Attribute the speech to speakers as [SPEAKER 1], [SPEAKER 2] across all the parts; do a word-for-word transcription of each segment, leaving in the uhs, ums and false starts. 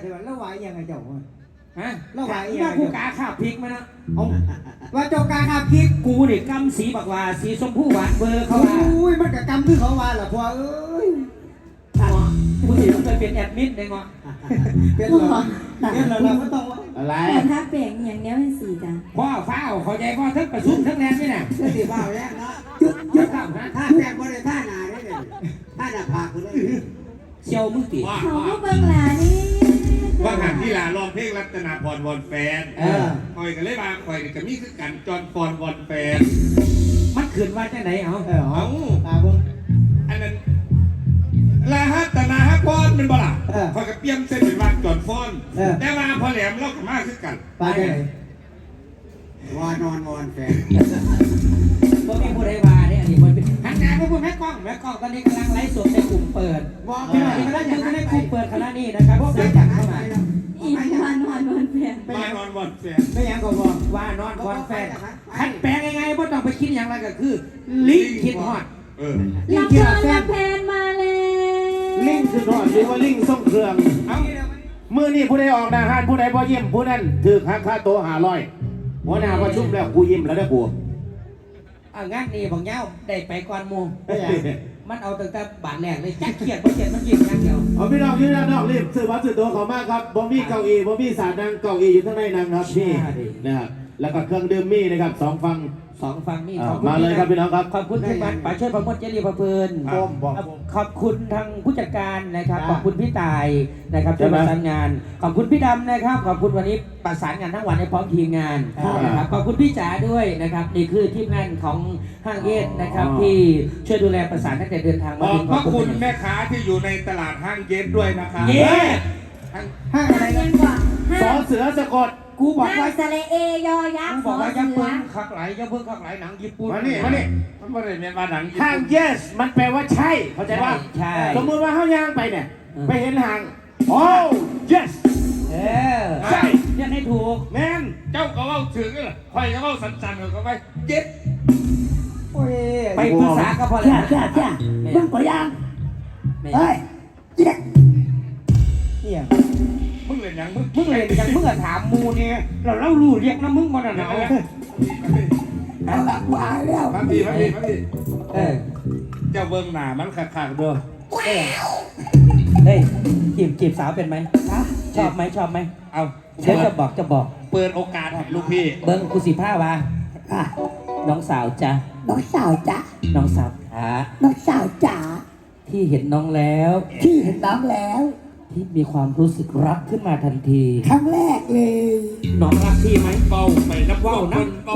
[SPEAKER 1] ใช่ไหมแล้ววายยังไงเจ้าฮะ
[SPEAKER 2] แล้ววายยังกูกาข้าพริกมานะ
[SPEAKER 1] เอาว่าเจ้ากาข้าพริก
[SPEAKER 2] กูเนี่ยกำสีบักว่าสีชมพูหวานเบอร์เขาว่า
[SPEAKER 1] อุ้ยมันกับกำคือเขาว่าล่ะพ่อเอ้ย
[SPEAKER 2] กูสิเคยเป็นแอดมิดได้งอ
[SPEAKER 1] เป็นหรอเป็นหรอเราก็ต้อง
[SPEAKER 3] อะไร
[SPEAKER 4] ถ้าแปลงอย่างเนี้ยเป็นสีจ้ะ
[SPEAKER 2] พ่อฟ้าเข้าใจพ่อทั้งประชุมทั้งแรงนี่น่ะ
[SPEAKER 1] ก็สีฟ้าแรกเนาะ
[SPEAKER 2] ยุดยุดครับฮะ
[SPEAKER 1] ท่าแปลงบริท่าหนาได้เลยท่าหน้าผากเลย
[SPEAKER 2] เชียวมือตี
[SPEAKER 4] เขาก็เบิ่งหลานี่
[SPEAKER 3] ว่าหันที่ลาลองเพลงรัตนาพรวอนแฟนคอยกันเลยมาคอยจะมีคือกันจอนพรวอนแฟน
[SPEAKER 2] มันขืนว่าจะไหนเอา
[SPEAKER 3] เออเอาอันนั้นลาฮัตนาฮักพรเป็นบ่ล่ะคอยกับเปี้ยมเส้นเป็นว่าจอนฟอนแต่ว่าพอแหลมเรากับมาคือกัน
[SPEAKER 1] ไปไหนวานอนวอนแฟน
[SPEAKER 2] ก็มีผู้ใดว่าเนี่ยอันนี้คนเป็นหันหน้าไปพูดแม่กล้องแม่กล้องตอนนี้กำลังไลฟ์สดในกลุ่มเปิดพี่น้องกำลังอยู่ในกลุ่มเปิดคณะนี้นะครับพวกเราจัดเข้ามา
[SPEAKER 4] อีวานอนวอนแฟน
[SPEAKER 3] วานอนวอนแฟน
[SPEAKER 1] ไม่ยังก็บอก
[SPEAKER 2] ว่านอนวอนแฟนขันแปลงยังไงไม่ต้องไปคิดอย่างไรก็คือลิงคิดฮอด
[SPEAKER 3] เออ
[SPEAKER 4] ลิงคิดฮอดแฟนมาเลย
[SPEAKER 5] ลิงคือฮอดหรือว่าลิงส่งเครื่องเอามือนี่ผู้ใดออกหน้าห้านผู้ใดพอยิ้มผู้นั้นถือค่าค่าโตหาร้อยหัวหน้าประชุมแล้วกูยิ้มแล้วได้กู
[SPEAKER 2] อ่างานนี้บางเย้าได้ไปก่อนมูมันเอาตั้งแต่บาทแรกเลยจักเขียดบ่เขียดมันยิ้มอย่างเดียว
[SPEAKER 5] เอาพี่น้องยืนด้านนอกรีบซื้อบัตรซื้อตัวขอมากครับบอมบี้เก้าอี้บอมบี้สามนั่งเก้าอี้อยู่ข้างในนั่งครับพี่นะครับแล้วก็เครื่องดื่มมี่นะครับสองฟัง
[SPEAKER 2] สองฟังนี่
[SPEAKER 5] มาเลยครับพี่น้องครับ
[SPEAKER 2] ขอบคุณทุกท่านป๋าช่วยประมดเจรีประเพลินขอบคุณทางผู้จัดการนะครับขอบคุณพี่ตายนะครับที่ประสานงานขอบคุณพี่ดำนะครับขอบคุณวันนี้ประสานงานทั้งวันให้พร้อมทีมงานนะครับขอบคุณพี่จ๋าด้วยนะครับนี่คือทีมงานของห้างเอ็ดนะครับที่ช่วยดูแลประสานตั้งแต่เดินทางมา
[SPEAKER 3] ถึงขอบคุณแม่ค้าที่อยู่ในตลาดห้างเย็ดด้วยนะครับ
[SPEAKER 2] เย็ด
[SPEAKER 4] ห้างอะไรกันกว่า
[SPEAKER 5] สอเสือสะกด
[SPEAKER 2] กูบอกว่า
[SPEAKER 4] สเลเอยอยักษ์
[SPEAKER 2] บอกว่ายักษ์เพิ่งขักไหลยักษ์เพิ่งขักไหลหนังญี่ปุ่น
[SPEAKER 5] มานี่มานี่
[SPEAKER 3] มันไม่ได้เป็นว่าหนัง
[SPEAKER 5] ห้าง yes มันแปลว่าใช่เข้าใจป่ะ
[SPEAKER 2] ใช่
[SPEAKER 5] สมมติว่าเฮาย่างไปเนี่ยไปเห็นห้างโอ้ yes
[SPEAKER 2] เออใช่ยังให้ถูก
[SPEAKER 5] แมน
[SPEAKER 3] เจ้าก็เล่าถึงเลยคอยก็เล่าสันๆเขาไปเย็ด
[SPEAKER 2] ไปปรึกษาก็พอแล้ว
[SPEAKER 1] จ้าจ้ามึงก็ยังเฮ้ยเย็ดเนี่ย
[SPEAKER 3] มึงเล่นยังมึง
[SPEAKER 2] มึงเล่นยังมึงอะถามมูเนี่ยเราเล่ารู้เรียกนะมึงมันอะเนาะ
[SPEAKER 1] เอาละว่าแล้ว
[SPEAKER 3] มาพี่มาพี่มาพี่
[SPEAKER 2] เออ
[SPEAKER 3] เจ้าเบิ้งหน้ามันขาดๆด้วย
[SPEAKER 2] เฮ้ยจีบจีบสาวเป็นไหมชอบไหมชอบไหม
[SPEAKER 3] เอา
[SPEAKER 2] เดี๋ยวจะบอกจะบอก
[SPEAKER 3] เปิดโอกาสให้ลูกพี่
[SPEAKER 2] เบิ้งกูสิผ้าวะน้องสาวจ้ะ
[SPEAKER 1] น้องสาวจ้ะ
[SPEAKER 2] น้องสาวขา
[SPEAKER 1] น้องสาวจ๋า
[SPEAKER 2] ที่เห็นน้องแล้ว
[SPEAKER 1] ที่เห็นน้องแล้ว
[SPEAKER 2] ที่มีความรู้สึกรักขึ้นมาทันที
[SPEAKER 1] ครั้งแรกเลย
[SPEAKER 2] น้องรักพี่ไหม
[SPEAKER 3] เบาไปนับว่านับกู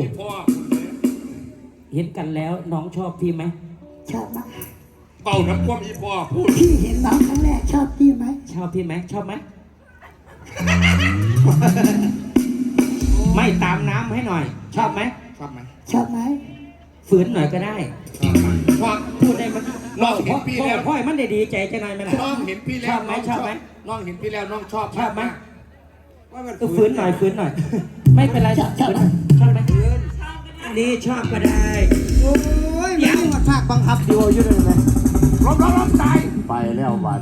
[SPEAKER 2] เห็นกันแล้วน้องชอบพี่ไหม
[SPEAKER 1] ชอบมาก
[SPEAKER 3] เบานับว่าพี่พ่อพูด
[SPEAKER 1] พี่เห็นน้องครั้งแรกชอบพี่ไหม
[SPEAKER 2] ชอบพี่ไหมชอบไหมไม่ตามน้ำให้หน่อยชอบไหม
[SPEAKER 3] ชอบไหม
[SPEAKER 1] ชอบไหม
[SPEAKER 2] ฝืนหน่อยก็ได้
[SPEAKER 3] ชอบ
[SPEAKER 2] พูดได้มัน
[SPEAKER 3] น้องเห็นพี่แล้ว
[SPEAKER 2] พ่อมันได้ดีใจจะหน่อยไหมล่ะ
[SPEAKER 3] น้องเห็นพี่แล้ว
[SPEAKER 2] ชอบไหมชอบไหม
[SPEAKER 3] น้องเห็นพี่แล้วน้องชอบ
[SPEAKER 2] ชอบไหมว่ามันฝืนหน่อยฝืนหน่อยไม่เป็นไรชอบชอบชอบไหมนี่ชอบก็ได้
[SPEAKER 1] โอ้ยยังมาภาคบังคับอยู่อยู่เลยไหม
[SPEAKER 3] ล้มล้มล้มตาย
[SPEAKER 5] ไปแล้ววัน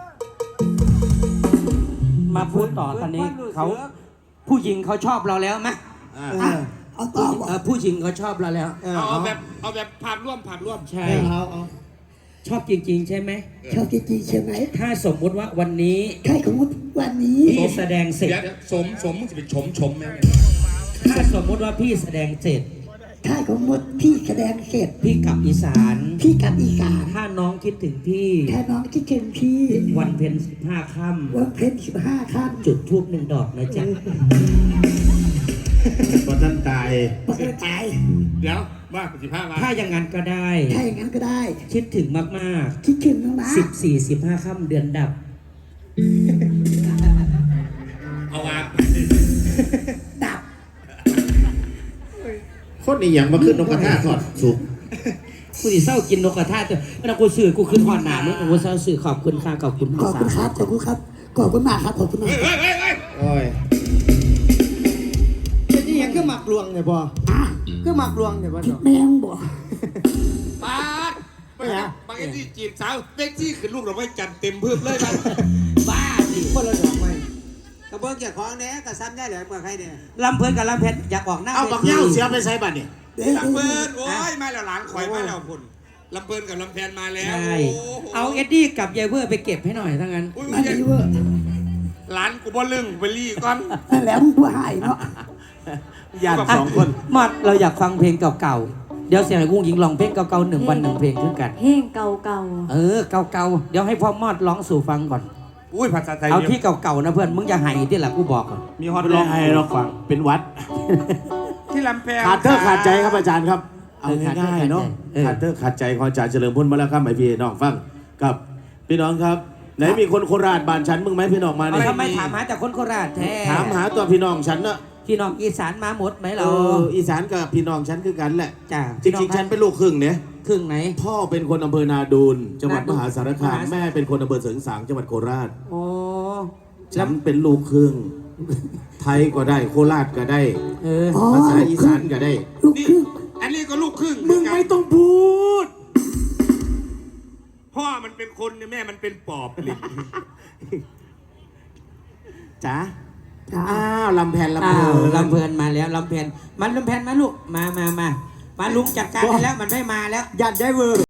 [SPEAKER 2] มาพูดต่อตอนนี้เขาผู้หญิงเขาชอบเราแล้วไหม
[SPEAKER 1] เอาต่อ
[SPEAKER 2] ผู้หญิงเขาชอบเราแล้ว
[SPEAKER 3] เอาแบบเอาแบบผ่านร่วมผ่านร่วม
[SPEAKER 2] ใช่เอาเอาชอบจริงๆใช่ไหม
[SPEAKER 1] ชอบจริงๆใช่ไหม
[SPEAKER 2] ถ้าสมมุติว่าวันนี้
[SPEAKER 1] ถ้าสมมติวันนี้
[SPEAKER 2] พี่แสดงเสร็จ
[SPEAKER 3] สมสมมึงจะเป็นชมชมไหม
[SPEAKER 2] ถ้าสมมุติว่าพี่แสดงเสร็จ
[SPEAKER 1] ถ้าสมมติพี่แสดงเสร็จ
[SPEAKER 2] พี่กลับอีสาน
[SPEAKER 1] พี่กลับอีสาน
[SPEAKER 2] ถ้าน้องคิดถึงพี่
[SPEAKER 1] ถ้าน้องคิดถึงพี่
[SPEAKER 2] วันเพ็ญสิบห้าค่ำ
[SPEAKER 1] วันเพ็ญสิบห้าค่
[SPEAKER 2] ำจุดธูปหนึ่งดอกนะจ๊ะ
[SPEAKER 5] พอท่านตาย
[SPEAKER 1] พอท่านตาย
[SPEAKER 3] เดี๋ยวว่าสิบห้า
[SPEAKER 2] ถ้าอย่างนั้นก็ได้
[SPEAKER 1] ถ้าอย่างนั้นก็ได้
[SPEAKER 2] คิดถึงมาก
[SPEAKER 1] ๆคิดถึงมาก
[SPEAKER 2] ๆสิบสี่สิบห้าค่ำเดือนดับ
[SPEAKER 3] เอาวาง
[SPEAKER 1] ดับ
[SPEAKER 5] คนนี้อย่างมาขึ้นนกกระทาทอดสุก
[SPEAKER 2] กูดิเศร้ากินนกกระทาแต่เวลากูซื้อกูขึ้นหอดหนามึงกูเศร้าซื้อขอบคุณค่ะขอบคุณ
[SPEAKER 1] ขอบคุณครับขอบคุณครับขอบคุณมากครับขอบคุณมาก
[SPEAKER 3] โอ้ย
[SPEAKER 1] เป็นยังก็หมักลวงเนี่ยบ่ก็หมักลวงเนี่ยบ่แมงบ่
[SPEAKER 3] ปาดไปฮะบางทีจีบสาวเด็กที่ขึ้นลูกเราไม่จัดเต็มเพิ่มเลยบ้า
[SPEAKER 2] บ้าดิ
[SPEAKER 1] คนละดอกไม้
[SPEAKER 6] บิ้งเจ้าของเนี่ยก็ซ้ำได้เลยกับใครเนี่ย
[SPEAKER 2] ลำเพลินกับลำเพนอยากออกหน้า
[SPEAKER 5] เอาบักเหย้าเสียไปใส่บัตรเนี่ย
[SPEAKER 3] ลำเพินโอ้ยมาแล้วหลานข่อยมาแล้วพุ่นลำเพินกับลำแพนมาแล้ว
[SPEAKER 2] ใช่เอาเอ็ดดี้กับยายเวอร์ไปเก็บให้หน่อยทั้งนั้น
[SPEAKER 3] อุ้ย
[SPEAKER 1] มาดีเวอร์
[SPEAKER 3] หลานกูบ่ลึงไปรีก่อน
[SPEAKER 1] นั่นแหล้วมึงผู้หายเนาะ
[SPEAKER 5] ญาติสองคน
[SPEAKER 2] มอดเราอยากฟังเพลงเก่าๆเดี๋ยวเสียงไอ้กุ้งยิงลองเพลงเก่าๆหนึ่งวันหนึ่งเพลงขึ้นกัน
[SPEAKER 4] เพลงเก่า
[SPEAKER 2] เออเก่าๆเดี๋ยวให้พ่อมอดร้องสู่ฟังก่อน
[SPEAKER 3] อุ้ยภาษาไทย
[SPEAKER 2] เอาที่เก่าๆนะเพื่อนมึงอย่าให้ที่หลังกูบอกก่อน
[SPEAKER 3] มีฮอต
[SPEAKER 5] ร้
[SPEAKER 3] ร้
[SPEAKER 5] อ
[SPEAKER 3] อง ง
[SPEAKER 5] ไห้เราฟังเป็นวัด
[SPEAKER 3] ที่ลำแพน
[SPEAKER 5] ขาดเตอร์ขาดใจครับอาจารย์ครับ เอาง่ายๆเนาะขาดเตอร์ขาดใจของอาจารย์เฉลิมพลมาแล้วครับหมายพี่น้องฟังกับพี่น้องครับไหนมีคนโคราชบ้านฉันมึงไหมพี่น้องมา
[SPEAKER 2] เอา
[SPEAKER 5] เนี่ย
[SPEAKER 2] ทำไมถามหาแต่คนโคราชแท้
[SPEAKER 5] ถามหาตัวพี่น้องฉันเนาะ
[SPEAKER 2] พี่น้องอีสานมาหมดไหม
[SPEAKER 5] เอ
[SPEAKER 2] เรา
[SPEAKER 5] ออีสานกับพี่น้องฉันคือกันแหละ
[SPEAKER 2] จ้า
[SPEAKER 5] จริงๆฉันเป็นลูกครึ่งเนี่ย
[SPEAKER 2] ครึ่งไหน
[SPEAKER 5] พ่อเป็นคนอำเภอนาดูนจังหวัด
[SPEAKER 2] นาดู
[SPEAKER 5] ม
[SPEAKER 2] น
[SPEAKER 5] หาสารคาม
[SPEAKER 2] มหา
[SPEAKER 5] แม่เป็นคนอำเภอเสริงสางจังหวัดโคราช
[SPEAKER 2] โอ้
[SPEAKER 5] ฉันเป็นลูกครึ่ง ไทยก็ได้โคราชก็ได้
[SPEAKER 2] เออ
[SPEAKER 1] อ๋อ
[SPEAKER 5] ภาษาอีสานก็ได้
[SPEAKER 1] ลูก
[SPEAKER 3] นี่
[SPEAKER 1] ครึ่ง
[SPEAKER 3] อันนี้ก็ลูกครึ่ง
[SPEAKER 5] มึงไม่ต้องพูด
[SPEAKER 3] พ่อมันเป็นคนเนี่ยแม่มันเป็นปอบลิง
[SPEAKER 5] จ๋า
[SPEAKER 1] จ้า
[SPEAKER 5] อ้าวลำแผ่นลำ
[SPEAKER 2] อ้า
[SPEAKER 5] เพลิ
[SPEAKER 2] วน ลำเพลินมาแล้วลำเพลินมันลำเพลินมาลูกมามามามาลุงจัดการให้แล้วมันไม่มาแล้ว
[SPEAKER 6] ยันได้เวอร์